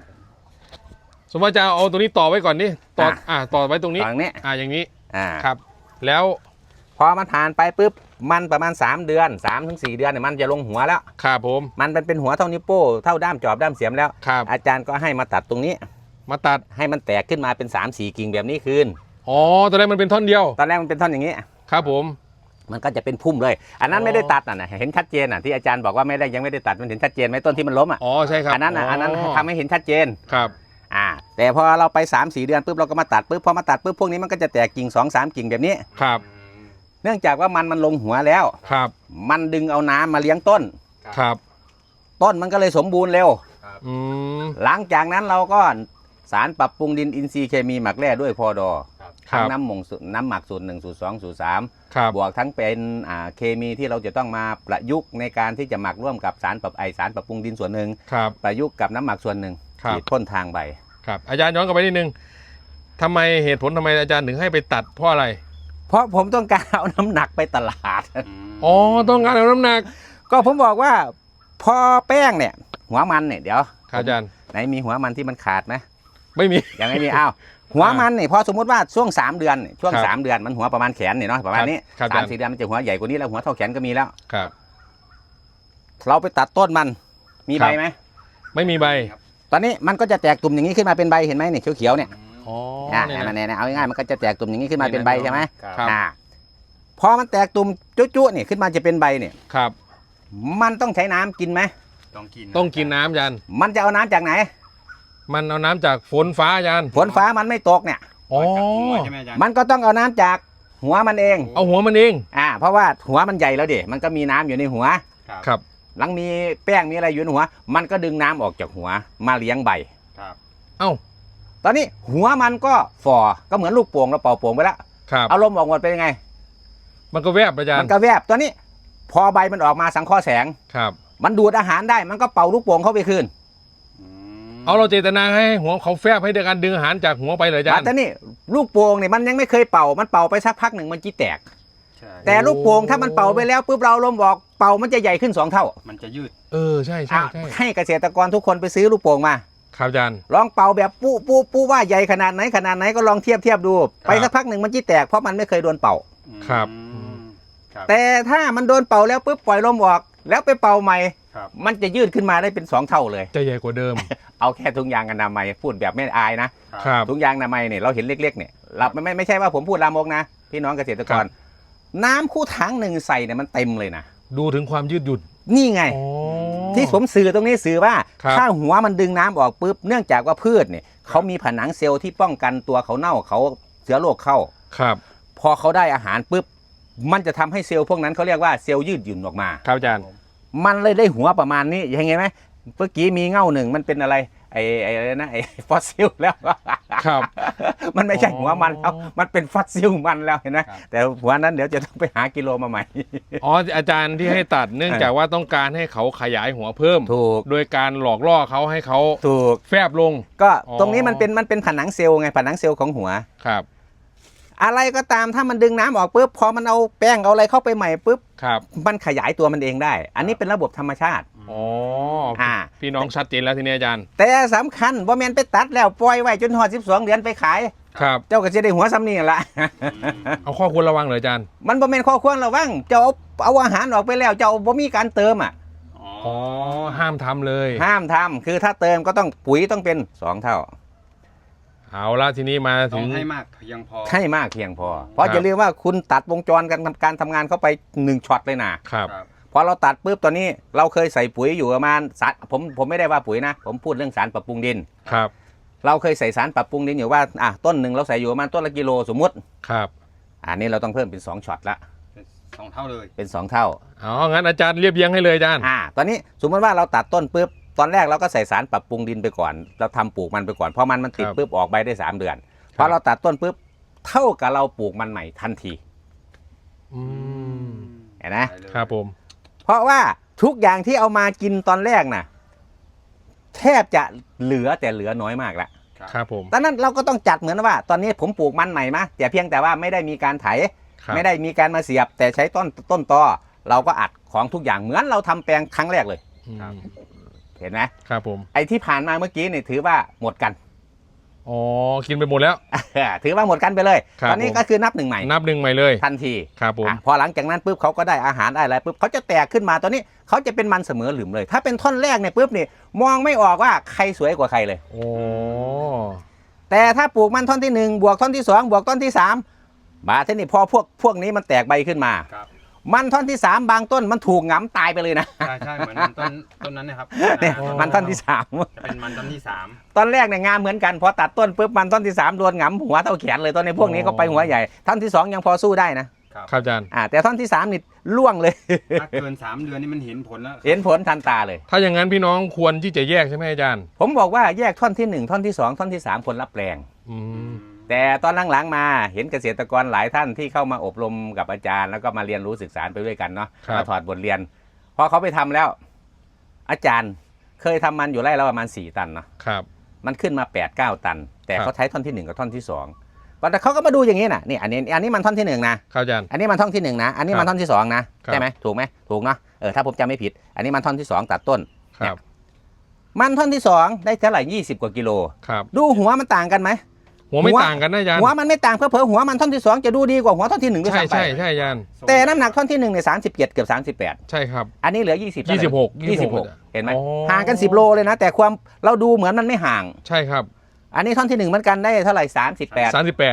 Speaker 1: จะเอาตรงนี้ต่อไว้ก่อนนี่ต่อไว้ตรงนี้
Speaker 2: ตรงนี้
Speaker 1: อย่างนี้
Speaker 2: อ่า
Speaker 1: ครับ แล้ว
Speaker 2: พอมันผ่านไปปุ๊บมันประมาณ3 เดือน 3-4 เดือนเนี่ยมันจะลงหัวแล้ว
Speaker 1: ครับผม
Speaker 2: มันเป็นหัวเท่านิ้วโป้เท่าด้ามจอบด้ามเสียมแล้ว
Speaker 1: ครับ
Speaker 2: อาจารย์ก็ให้มาตัดตรงนี้
Speaker 1: มาตัด
Speaker 2: ให้มันแตกขึ้นมาเป็น3-4 กิ่งแบบนี้คืน
Speaker 1: อ๋อตอนแรกมันเป็นท่อนเดียว
Speaker 2: ตอนแรกมันเป็นท่อนอย่างนี้
Speaker 1: ครับผม
Speaker 2: มันก็จะเป็นพุ่มเลย อันนั้น
Speaker 1: อ๋อ
Speaker 2: ไม่ได้ตัดนะเห็นชัดเจนที่อาจารย์บอกว่ายังไม่ได้ตัดมันเห็นชัดเจนไหมต้นที่มันล้ม
Speaker 1: อ๋อใช่ครับ
Speaker 2: อันนั้นทำให้เห็นชัดเจน
Speaker 1: ครับ
Speaker 2: แต่พอเราไป 3-4 เดือนปุ๊บเราก็มาตัดปุ๊บพอมาตัดปุ๊บพวกนี้มันก็จะแตกกิ่ง 2-3 กิ่งแบบนี้
Speaker 1: ครับ
Speaker 2: เนื่องจากว่ามันลงหัวแล้ว
Speaker 1: ครับ
Speaker 2: มันดึงเอาน้ำมาเลี้ยงต้น
Speaker 1: ครับ
Speaker 2: ต้นมันก็เลยสมบูรณ์เร็ว
Speaker 1: อืม
Speaker 2: หลังจากนั้นเราก็สารปรับปรุงดินอินทรีย์เคมีหมักแร่ด้วยพอดอ
Speaker 1: ครั
Speaker 2: ทั้ง
Speaker 1: บ
Speaker 2: น้ำหมักสูตร1สูตร2สูตร3
Speaker 1: ครับ
Speaker 2: บวกทั้งเป็นเคมีที่เราจะต้องมาประยุกต์ในการที่จะหมักร่วมกับสารปรับปรุงดินส่วนหนึ่ง
Speaker 1: ครับ
Speaker 2: ประยุกต์กับน้ำหมักส่วนหนึ่ง
Speaker 1: ครับ
Speaker 2: ฉีดพ่นทางใบ
Speaker 1: ครับอาจารย์ย้อนกลับไปนิดนึงทำไมเหตุผลทำไมอาจารย์ถึงให้ไปตัดเพราะอะไร
Speaker 2: เพราะผมต้องการเอาน้ำหนักไปตลาด
Speaker 1: อ๋อต้องการเอาน้ำหนัก
Speaker 2: ก็ผมบอกว่าพอแป้งเนี่ยหัวมันเนี่ยเดี๋ยว
Speaker 1: ครับอาจารย์
Speaker 2: ไหนมีหัวมันที่มันขาดไหม
Speaker 1: ไม่มี
Speaker 2: ยังไม่มีอ้าวหัวมันเนี่ยพอสมมติว่าช่วง3 เดือนเนี่ยช่วง
Speaker 1: ครับ
Speaker 2: 3 เดือนมันหัวประมาณแขนเนี่ยเนาะประมาณนี้
Speaker 1: ครับ
Speaker 2: 3-4 เดือนมันจะหัวใหญ่กว่านี้แล้วหัวเท่าแขนก็มีแล้ว
Speaker 1: ครับ
Speaker 2: เราไปตัดต้นมันมี
Speaker 1: ครั
Speaker 2: ใบบ ไหม
Speaker 1: ไม่มีใบ
Speaker 2: ตอนนี้มันก็จะแตกตุ่มอย่างนี้ขึ้นมาเป็นใบเห็นไหมเนี่ยเขียวๆเนี่ย
Speaker 1: อ๋อ
Speaker 2: เนี่ยเอาง่ายๆมันก็จะแตกตุ่มอย่างนี้ขึ้นมาเป็นใบใช่ไหม
Speaker 1: ครับ
Speaker 2: พอมันแตกตุ่มจุ๊ๆเนี่ยขึ้นมาจะเป็นใบเนี่ย
Speaker 1: ครับ
Speaker 2: มันต้องใช้น้ำกินไหม
Speaker 1: ต้องกินน้ำอาจารย์
Speaker 2: มันจะเอาน้ำจากไหน
Speaker 1: มันเอาน้ำจากฝนฟ้าอาจารย์
Speaker 2: ฝนฟ้ามันไม่ตกเนี่ย
Speaker 1: อ๋อ
Speaker 3: ใช่ไหมอาจารย์
Speaker 2: มันก็ต้องเอาน้ำจากหัวมันเอง
Speaker 1: เอาหัวมันเอง
Speaker 2: เพราะว่าหัวมันใหญ่แล้วดิมันก็มีน้ำอยู่ในหัว
Speaker 1: ครับ
Speaker 2: หลังมีแป้งมีอะไรอยู่ในหัว มันก็ดึงน้ำออกจากหัวมาเลี้ยงใบ
Speaker 1: เอ้า
Speaker 2: ตอนนี้หัวมันก็ฝ่อก็เหมือนลูกโป่งเราเป่าโป่งไปแล้ว
Speaker 1: ครับ
Speaker 2: เอาลมออกหมดเป็นยังไง
Speaker 1: มันก็แวบอาจาร
Speaker 2: มัน
Speaker 1: ย์
Speaker 2: ก็แวบตอนนี้พอใบมันออกมาสังเคราะห์แสง
Speaker 1: ครับ
Speaker 2: มันดูดอาหารได้มันก็เป่าลูกโป่งเข้าไปคืน
Speaker 1: เอาเราเจตนาให้หัวเขาแฟบให้ด้วยการดึงอาหารจากหัวไปเลยอาจารย์
Speaker 2: แต่นี่ลูกโป่งเนี่ยมันยังไม่เคยเป่ามันเป่าไปสักพักหนึ่งมันจีแตก แต่ลูกโป่งถ้ามันเป่าไปแล้วปุ๊บเราลมออกเป่ามันจะใหญ่ขึ้น2 เท่า
Speaker 3: มันจะยืด
Speaker 1: ใช่ใช่ใช่
Speaker 2: ให้เกษตรกรทุกคนไปซื้อลูกโป่งมา
Speaker 1: ครับอาจารย์
Speaker 2: ลองเป่าแบบปู้ว่าใหญ่ขนาดไหนก็ลองเทียบดู ไปสักพักหนึ่งมันจีแตกเพราะมันไม่เคยโดนเป่า
Speaker 1: ครับ
Speaker 2: แต่ถ้ามันโดนเป่าแล้วปุ๊บปล่อยลมออก แล้วไปเป่าใหม่
Speaker 3: ครับ
Speaker 2: มันจะยืดขึ้นมาได้เป็น2 เท่าเลย
Speaker 1: จะใหญ่กว่าเดิม
Speaker 2: เอาแค่ถุงยางอนามัยพูดแบบไม่อายนะครับ ถุงยางอนามัยเนี่ยเราเห็นเล็กๆเนี่ยเราไม่ใช่ว่าผมพูดลามกนะพี่น้องเกษตรกร น้ำคู่ถังหนึ่งใส่เนี่ยมันเต็มเลยนะ
Speaker 1: ดูถึงความยืดหยุ่น
Speaker 2: นี่ไง
Speaker 1: อ๋อ
Speaker 2: ที่ผมสื่อตรงนี้สื่อว่า
Speaker 1: ครับ
Speaker 2: ถ้าหัวมันดึงน้ำออกปุ๊บเนื่องจากว่าพืชเนี่ยเขามีผนังเซลล์ที่ป้องกันตัวเขาเน่าเขาเชื้อโรคเข้า
Speaker 1: ครับ
Speaker 2: พอเขาได้อาหารปุ๊บมันจะทำให้เซลล์พวกนั้นเขาเรียกว่าเซลล์ยืดหยุ่นออกมา
Speaker 1: ครับอาจารย์
Speaker 2: มันเลยได้หัวประมาณนี้ยังไงไหมเมื่อกี้มีเง่าหนึ่งมันเป็นอะไรไอ้อะไรนะไอ้ฟอสซิลแล้ว
Speaker 1: ครับ
Speaker 2: มันไม่ใช่หัวมันแล้ว
Speaker 1: อ๋อ
Speaker 2: มันเป็นฟอสซิลมันแล้วเห็นไหม
Speaker 3: ครับ
Speaker 2: แต่หัวนั้นเดี๋ยวจะต้องไปหากิโลมาใหม่
Speaker 1: อ๋ออาจารย์ที่ให้ตัดเนื่องจากว่าต้องการให้เขาขยายหัวเพิ่ม
Speaker 2: ถูก
Speaker 1: โดยการหลอกล่อเขาให้เขา
Speaker 2: ถูก
Speaker 1: แฟบลง
Speaker 2: ก็
Speaker 1: อ๋อ
Speaker 2: ตรงนี้มันเป็นผนังเซลล์ไงผนังเซลล์ของหัว
Speaker 1: ครับ
Speaker 2: อะไรก็ตามถ้ามันดึงน้ำออกปุ๊บพอมันเอาแป้งเอาอะไรเข้าไปใหม่ปุ๊บ
Speaker 1: ครับ
Speaker 2: มันขยายตัวมันเองได้ อันนี้เป็นระบบธรรมชาติ
Speaker 1: อ๋อ
Speaker 2: อ่า
Speaker 1: พี่น้องชัดเจนแล้วทีนี้อาจารย์
Speaker 2: แต่สำคัญว่าแมนไปตัดแล้วปล่อยไว้จนหอด12 เดือนไปขาย
Speaker 1: ครับ
Speaker 2: เจ้าก็จะได้หัวซ้ำนี่แหละ
Speaker 1: เอาข้อควรระวังเลยอาจารย์
Speaker 2: มันบ่แม่นข้อควรระวังเจ้าเอาอาหารออกไปแล้วเจ้าบ่มีการเติมอ่ะ
Speaker 1: อ๋อ ห้ามทำเลย
Speaker 2: ห้ามทำคือถ้าเติมก็ต้องปุ๋ยต้องเป็น2 เท่า
Speaker 1: เอาละทีนี้มา
Speaker 3: ต้
Speaker 1: ถึ
Speaker 3: อง
Speaker 1: ง
Speaker 3: ให้มากเพียงพอ
Speaker 2: ให้มากเพียงพอ เพราะอย่าลืมว่าคุณตัดวงจรการทำงานเข้าไป1ช็อตเลยนะครับ พอเราตัดปุ๊บตอนนี้เราเคยใส่ปุ๋ยอยู่ประมาณผมไม่ได้ว่าปุ๋ยนะ ผมพูดเรื่องสารปรับปรุงดิน
Speaker 1: ครับ
Speaker 2: เราเคยใส่สารปรับปรุงดินอยู่ว่าต้นหนึ่งเราใส่อยู่ประมาณต้นละกิโลสมมุติ
Speaker 1: ครับ
Speaker 2: อันนี้เราต้องเพิ่มเป็น2ช็อตละ
Speaker 3: 2 เท่าเลย
Speaker 2: เป็น2 เท่า
Speaker 1: อ๋องั้นอาจารย์เรียบเรียงให้เลยอาจารย์
Speaker 2: ตอนนี้สมมติว่าเราตัดต้นปุ๊บตอนแรกเราก็ใส่สารปรับปรุงดินไปก่อนเราทำปลูกมันไปก่อนพอมันติดปุ๊บออกใบได้3 เดือนพอเราตัดต้นปุ๊บเท่ากับเราปลูกมันใหม่ทันที
Speaker 1: อืม
Speaker 2: เห็นไหม
Speaker 1: ครับผม
Speaker 2: เพราะว่าทุกอย่างที่เอามากินตอนแรกน่ะแทบจะเหลือน้อยมากละ
Speaker 1: ครับผม
Speaker 2: ดังนั้นเราก็ต้องจัดเหมือนว่า ตอนนี้ผมปลูกมันใหม่มาแต่เพียงแต่ว่าไม่ได้มีการไถ
Speaker 1: ครับ
Speaker 2: ไม่ได้มีการมาเสียบ แต่ใช้ต้นตอเราก็อัดของทุกอย่างเหมือนเราทำแปลงครั้งแรกเลย
Speaker 1: อืม
Speaker 2: เห็นไหม
Speaker 1: ครับผม
Speaker 2: ไอ้ที่ผ่านมาเมื่อกี้เนี่ยถือว่าหมดกัน
Speaker 1: อ๋อกินไปหมดแล้ว
Speaker 2: ถือว่าหมดกันไปเลย
Speaker 1: ครับ
Speaker 2: ตอนนี้ก็คือนับหนึ่งใหม่
Speaker 1: นับหนึ่งใหม่เลย
Speaker 2: ทันที
Speaker 1: ครับผม
Speaker 2: พอหลังจากนั้นปุ๊บเขาก็ได้อาหารได้อะไรปุ๊บเขาจะแตกขึ้นมาตอนนี้เขาจะเป็นมันเสมอหลืมเลย ถ้าเป็นท่อนแรกเนี่ยปุ๊บนี่มองไม่ออกว่าใครสวยกว่าใครเลย
Speaker 1: โอ้
Speaker 2: แต่ถ้าปลูกมันท่อนที่ 1 บวกท่อนที่ 2 บวกท่อนที่ 3 บาเทนี่พอพวกนี้มันแตกใบขึ้นมา
Speaker 3: ครับ
Speaker 2: มันท่อนที่ 3 บางต้นมันถูกหงำตายไปเลยนะ
Speaker 3: ใช่เหมือนต้นนั้นนะครับ
Speaker 2: เนี่ยมันท่อนที่
Speaker 3: จะเป็นมันต้นที่
Speaker 2: 3 ตอนแรกเนี่ยงามเหมือนกันพอตัดต้นปุ๊บมันท่อนที่ 3 โดนหงำหัวเท่าแขนเลยตอนนี้พวกนี้ก็ไปหัวใหญ่ท่อนที่ 2 ยังพอสู้ได้นะครับ
Speaker 1: ครับอาจารย์
Speaker 2: แต่ท่อนที่ 3นี่ล่วงเลย
Speaker 3: ถ้าเกิน3 เดือนนี่มันเห็นผลแล้ว
Speaker 2: เห็นผลทันตาเลย
Speaker 1: ถ้าอย่างนั้นพี่น้องควรที่จะแยกใช่ไหมอาจารย์
Speaker 2: ผมบอกว่าแยกท่อนที่ 1 ท่อนที่ 2 ท่อนที่ 3 คนรับแปลง
Speaker 1: อืม
Speaker 2: แต่ตอนหลังๆมาเห็นเกษตรกรหลายท่านที่เข้ามาอบรมกับอาจารย์แล้วก็มาเรียนรู้ศึกษาไปด้วยกันเนาะ
Speaker 1: ครับ
Speaker 2: มาถอดบทเรียนพอเขาไปทำแล้ว อาจารย์เคยทำมันอยู่ไร่ละประมาณ4 ตันเนาะ
Speaker 1: ครับ
Speaker 2: มันขึ้นมา 8-9 ตัน แต่
Speaker 1: ครับ
Speaker 2: เขาใช้ท่อนที่ 1 กับท่อนที่2แต่เขาก็มาดูอย่างนี้นะนี่อันนี้มันท่อนที่1นะครับ
Speaker 1: อาจารย์
Speaker 2: อันนี้มันท่อนที่1นะอันนี้มันท่อนที่2นะครับ ใช่ไหมถูกไหมถูกเนาะถ้าผมจำไม่ผิด อันนี้มันท่อนที่ 2 ตัดต้น
Speaker 1: ครับ
Speaker 2: มันท่อนที่ 2 ได้เท่าไหร่20 กว่ากิโล
Speaker 1: ครับ
Speaker 2: ดูหัวมันต่างกันไหม
Speaker 1: หัวไม่ต่างกันนะอาจารย์
Speaker 2: หัวมันไม่ต่างเผลอๆหัวมันท่อนที่ 2 จะดูดีกว่าหัวท่อนที่1ด้วย
Speaker 1: ใช่
Speaker 2: ซ้ำไป
Speaker 1: ใช่อาจารย์
Speaker 2: แต่น้ำหนักท่อนที่1เนี่ย37เกือบ38
Speaker 1: ใช่ครับ
Speaker 2: อันนี้เหลือ20เท่าไหร่
Speaker 1: 26
Speaker 2: เห็นไหม
Speaker 1: อ๋อ
Speaker 2: ห่างกัน10 โลเลยนะ แต่ความเราดูเหมือนมันไม่ห่าง
Speaker 1: ใช่ครับ
Speaker 2: อันนี้ท่อนที่1เหมือนกันได้เท่าไหร่38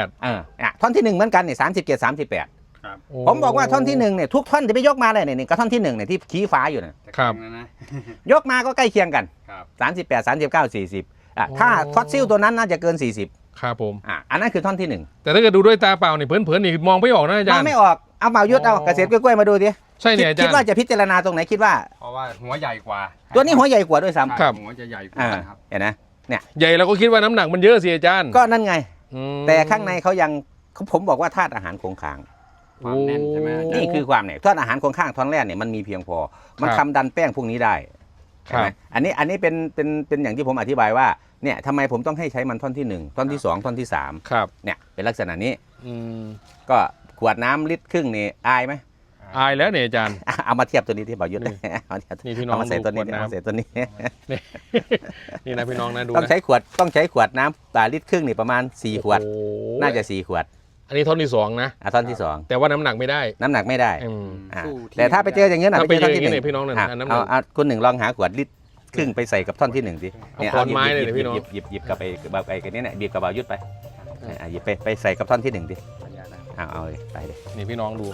Speaker 1: 38
Speaker 2: ท่อนที่1เหมือนกันเนี่ย37 38
Speaker 3: ครับ
Speaker 1: โอ้
Speaker 2: ผมบอกว่าท่อนที่1เนี่ยทุกท่อนจะไปยกมาเลยเนี่ยก็ท่อนที่1เนี่ยที่ชี้ฟ้าอยู่เนี่ย
Speaker 1: ครับ
Speaker 3: แต่แข็งนะ
Speaker 2: ยกมาก็ใกล้เคียงกัน
Speaker 3: ครับ
Speaker 2: 38 39 40ถ้าฟอสซิลตัวนั้นน่าจะเกิน40
Speaker 1: ครับผม
Speaker 2: อันนั้นคือท่อนที่
Speaker 1: แต่ถ้าเกิดดูด้วยตาเปล่านี่เผินๆนี่มองไม่ออกนะอา
Speaker 2: 1ม
Speaker 1: จา
Speaker 2: อ
Speaker 1: รง ย์
Speaker 2: ไม่ออกเอาเมายุดเอา
Speaker 1: อ๋อ
Speaker 2: เกษตรกล้วยๆมาดูดิ
Speaker 1: ใช่เนี่ยอาจารย์
Speaker 2: คิดว่าจะพิจารณาตรงไหนคิดว่า
Speaker 3: เพราะว่าหัวใหญ่กว่า
Speaker 2: ตัวนี้หัวใหญ่กว่าด้วยซ้ำ
Speaker 1: ครับ
Speaker 3: หัวจะใหญ่ก
Speaker 2: อ่า
Speaker 3: ว่าครับ
Speaker 2: เห็นไหม
Speaker 1: ใหญ่เราก็คิดว่าน้ำหนักมันเยอะสิอาจารย์
Speaker 2: ก็นั่นไง
Speaker 1: อืม
Speaker 2: แต่ข้างในเขายังผมบอกว่าธาตุอาหารคงค้าง
Speaker 3: ความแน่นใช่ไหมอาจารย์
Speaker 2: นี่คือความเนี่ยธาตุอาหารคงค้างท่อนแรกเนี่ยมันมีเพียงพอ มัน
Speaker 1: ครับ
Speaker 2: ทำดันแป้งพวกนี้ได้
Speaker 1: ครั
Speaker 2: ใช่ไหม
Speaker 1: บ
Speaker 2: อันนี้เป็นอย่างที่ผมอธิบายว่าเนี่ยทำไมผมต้องให้ใช้มันท่อนที่ 1 ท่อนที่ 2 ท่อนที่
Speaker 1: ครับ
Speaker 2: 3เนี่ยเป็นลักษณะนี้
Speaker 1: อืม
Speaker 2: ก็ขวดน้ำลิตรครึ่งนี่อายไหม
Speaker 1: อายแล้วเนี่ยอาจารย์
Speaker 2: เอามาเทียบตัวนี้ที่บอกยุทธ
Speaker 1: นี่
Speaker 2: เอาเทียบ
Speaker 1: นี่พี่น้อง
Speaker 2: เอามาใส่ตัวนี้
Speaker 1: ดูขวดน้ำ
Speaker 2: เอามาใส่ตัวนี้
Speaker 1: นี่ นี่นะพี่น้องนะดู
Speaker 2: ต้อง
Speaker 1: นะ
Speaker 2: ใช้ขวดน้ำลิตรครึ่งนี่ประมาณ4 ขวด
Speaker 1: โอ้โห
Speaker 2: น่าจะ4 ขวด
Speaker 1: อันนี้ท่อนที่2นะ
Speaker 2: ท่อนที่
Speaker 1: แต่ว่าน้ำหนักไม่ได้
Speaker 2: 2 น้ำหนักไม่ได้
Speaker 1: อืม
Speaker 2: อ่า
Speaker 3: สู้ที่
Speaker 2: แต่ถ้าไปเจออย่างนี้นะ
Speaker 1: ถ้าไปเจอ
Speaker 2: ท่
Speaker 1: อย่างนี้เนี่ยพี่น้องเนี่ย
Speaker 2: ะ
Speaker 1: อันน้ำหนัก
Speaker 2: เอาคุณหนึ่งลองหาขวดลิตรครึ่งไปใส่กับท่อนที่1สิ
Speaker 1: เอาขอนไม้เลยเนี่ยพี่น้อง
Speaker 2: หยิบกับไอ้กันนี้เนี่ยบีบกับบายุทธไปหยิบไปใส่กับท่อนที่1ดิเอาเลยไปเลย
Speaker 1: นี่พี่น้องดู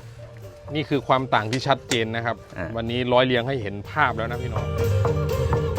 Speaker 1: นี่คือความต่างที่ชัดเจนนะครับ
Speaker 2: อ่า
Speaker 1: วันนี้ร้อยเรียงให้เห็นภาพแล้วนะพี่น้อง